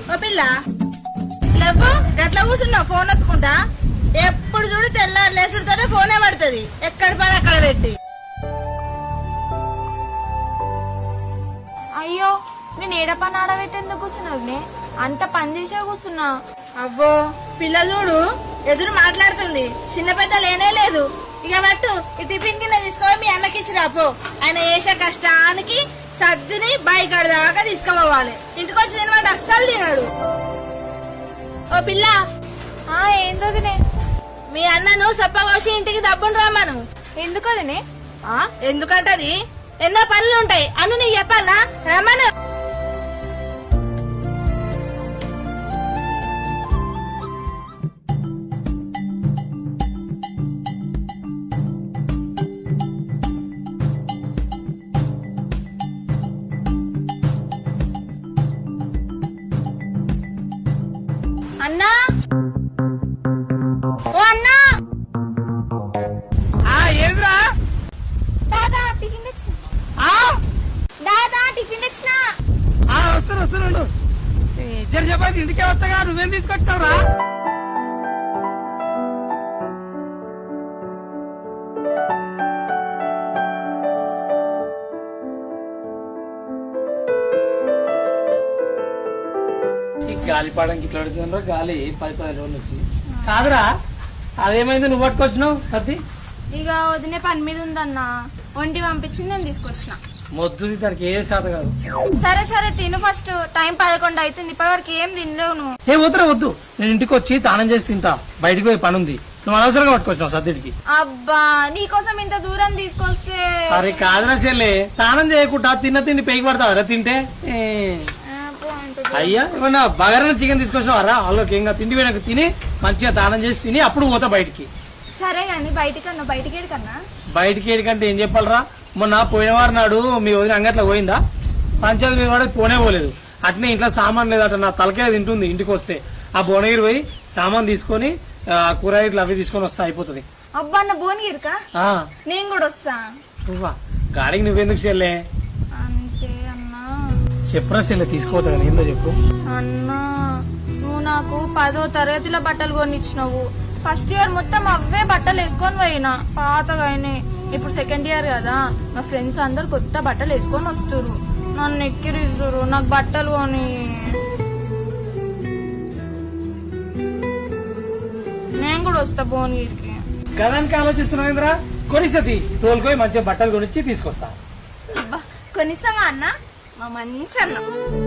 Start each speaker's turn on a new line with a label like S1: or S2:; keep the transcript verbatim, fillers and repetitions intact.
S1: ఓ పిల్ల లేవు గట్లా కూర్చున్నావు ఫోన్ ఎత్తుకుంటా. ఎప్పుడు చూడు తెల్లారు లేసుడితోనే ఫోనే పడుతుంది, ఎక్కడ పని అక్కడ పెట్టి.
S2: అయ్యో నేను ఏడ పని ఆడబెట్టి ఎందుకు కూర్చున్నావునే? అంత పని చేసే కూర్చున్నా.
S1: అవ్వో పిల్ల చూడు ఎదురు మాట్లాడుతుంది, చిన్న పెద్ద లేనే లేదు. ఇక పట్టు ఈ టిఫిన్ కింద తీసుకోవాలి, మీ అన్నకి ఇచ్చిరాపో. ఆయన చేసే కష్టానికి సర్దిని బైక్ దాకా తీసుకోవాలి. ఇంటికి వచ్చి తినమాట అస్సలు తినడు. ఓ పిల్ల
S2: ఏందో తినే?
S1: మీ అన్నను సొప్పకోసి ఇంటికి దబ్బును రామను.
S2: ఎందుకు అదినే?
S1: ఎందుకంటది ఎన్నో పనులు ఉంటాయి అను నీకు చెప్పాలా, రమ్మను.
S2: అన్నా ఓ అన్నా,
S3: ఏదిరా
S2: దాదా టిఫిన్ తెచ్చిన. దాదా టిఫిన్ తెచ్చిన.
S3: వస్తున్నా వస్తున్నాడు. ఇద్దరు చెప్పాలి ఇంటికే వస్తాగా, నువ్వేం తీసుకొచ్చావురా? గాలి పాడానికి ఇట్లా అడుగుతుండ్రా, గాలి పది పది రోజులు వచ్చి కాదురా. అదేమైంది నువ్వు పట్టుకొచ్చినావు సత్తి?
S2: ఇక వదినే పని మీద ఉందన్నా, వండి పంపించింది నేను తీసుకొచ్చిన.
S3: మొద్దుది దానికి ఏ శాత కాదు.
S2: సరే సరే తిను ఫస్ట్, టైం పదకొండు అవుతుంది, ఇప్పటి వరకు ఏం తినలేవు నువ్వు.
S3: ఏ వద్దురా వద్దు, నేను ఇంటికి వచ్చి తానం చేసి తింటా, బయటకు పోయి పని ఉంది. నువ్వు అనవసరంగా పట్టుకొచ్చినావు సద్దిడికి.
S2: అబ్బా నీకోసం ఇంత దూరం తీసుకొస్తే.
S3: అరే కాదురా చెల్లె, తానం చేయకుండా తిన్న తిండి పేకి పడతావరా తింటే. అయ్యా ఏమన్నా బగారన్న చికెన్ తీసుకొచ్చినావారా? వాళ్ళకి ఇంకా తిండి వెనక తిని మంచిగా తానం చేసి తిని అప్పుడు పోతా బయటికి.
S2: సరే గాని బయటికన్నా బయటికి ఏడికన్నా
S3: బయటికి ఏడికంటే ఏం చెప్పాలరా? మొన్న పోయిన వారు నాడు మీ వదిన అంగట్లో పోయిందా? పంచాయతీ మీద వాడికి పోనే పోలేదు. అట్నే ఇంట్లో సామాన్ లేదట, నా తలకే తింటుంది. ఇంటికి వస్తే ఆ భువనగిరి పోయి సామాన్ తీసుకొని కూరగాయలు అవి తీసుకొని వస్తా, అయిపోతుంది.
S2: అబ్బా అన్న భువనగిరికా? నేను కూడా వస్తా.
S3: గాడికి నువ్వెందుకు చెల్లే?
S2: అంతే అన్నా.
S3: చెప్పరా చెల్లె, తీసుకోవద్దు కానీ ఏందో చెప్పు.
S2: అన్నా నువ్వు నాకు పదో తరగతిలో బట్టలు కొనిచ్చినావు. ఫస్ట్ ఇయర్ మొత్తం అవే బట్టలు వేసుకొని పోయినా, పాతగా అయినాయి. ఇప్పుడు సెకండ్ ఇయర్ కదా, మా ఫ్రెండ్స్ అందరు కొత్త బట్టలు వేసుకొని వస్తురు, నన్ను ఎక్కిరిస్తురు. నాకు బట్టలు కొని నేను కూడా వస్తా భువనగిరికి.
S3: గదానికి ఆలోచిస్తున్నావు ఇంద్రా? కొనిసతి తోలుకొని మంచిగా బట్టలు కొనిచ్చి తీసుకొస్తా.
S2: కొనిస్తావా అన్న? మా మంచి అన్న.